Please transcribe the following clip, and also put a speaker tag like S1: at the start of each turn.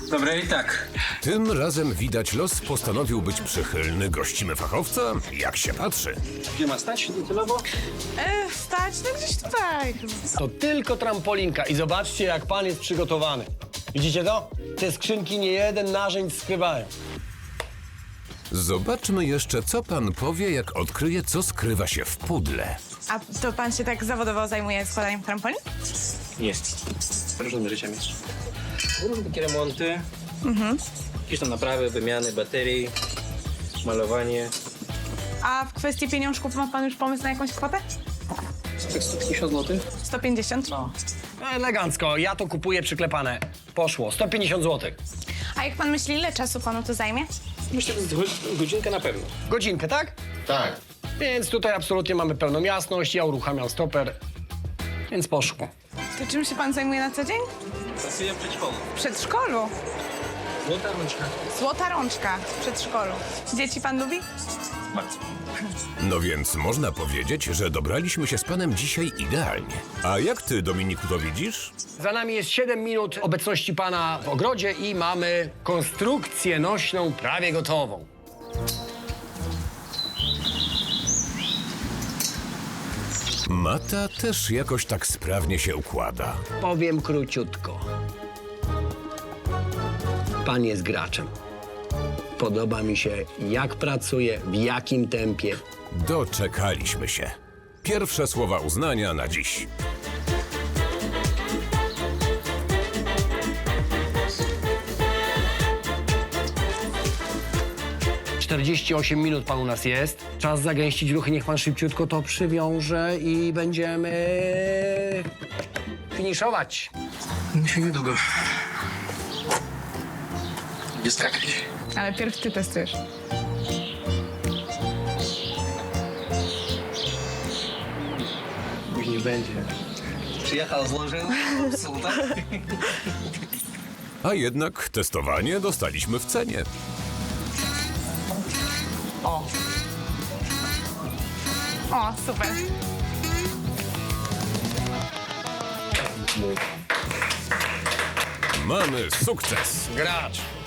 S1: Dobre i tak.
S2: Tym razem widać los postanowił być przychylny. Gościmy fachowca, jak się patrzy.
S1: Gdzie ma stać docelowo?
S3: Stać, no gdzieś tutaj.
S4: To tylko trampolinka i zobaczcie, jak pan jest przygotowany. Widzicie to? Te skrzynki nie jeden narzędź skrywają.
S2: Zobaczmy jeszcze, co pan powie, jak odkryje, co skrywa się w pudle.
S3: A to pan się tak zawodowo zajmuje składaniem trampolin?
S1: Jest. Różnymi rzeczami. Różne takie remonty. Jakieś tam naprawy, wymiany baterii, malowanie.
S3: A w kwestii pieniążków ma pan już pomysł na jakąś kwotę?
S1: Tak 150 zł?
S3: 150?
S1: No.
S4: Elegancko, ja to kupuję przyklepane. Poszło, 150 zł.
S3: A jak pan myśli, ile czasu panu to zajmie?
S1: Myślę, że godzinkę na pewno.
S4: Godzinkę, tak?
S5: Tak.
S4: Więc tutaj absolutnie mamy pełną jasność, ja uruchamiam stoper, więc poszło.
S3: To czym się pan zajmuje na co dzień?
S1: Pracuję w przedszkolu.
S3: W przedszkolu.
S1: Złota rączka.
S3: Złota rączka w przedszkolu. Dzieci pan lubi?
S1: Bardzo.
S2: No więc można powiedzieć, że dobraliśmy się z panem dzisiaj idealnie. A jak ty, Dominiku, to widzisz?
S4: Za nami jest 7 minut obecności pana w ogrodzie i mamy konstrukcję nośną prawie gotową.
S2: Mata też jakoś tak sprawnie się układa.
S4: Powiem króciutko. Pan jest graczem. Podoba mi się, jak pracuje, w jakim tempie.
S2: Doczekaliśmy się. Pierwsze słowa uznania na dziś.
S4: - 48 minut pan u nas jest. Czas zagęścić ruchy, niech pan szybciutko to przywiąże i będziemy finiszować.
S1: Musi niedługo. Jest skakać.
S3: Ale pierw ty testujesz.
S1: Już nie będzie. Przyjechał, złożył. Super.
S2: A jednak testowanie dostaliśmy w cenie.
S3: O, super.
S2: Mamy sukces.
S4: Gracz.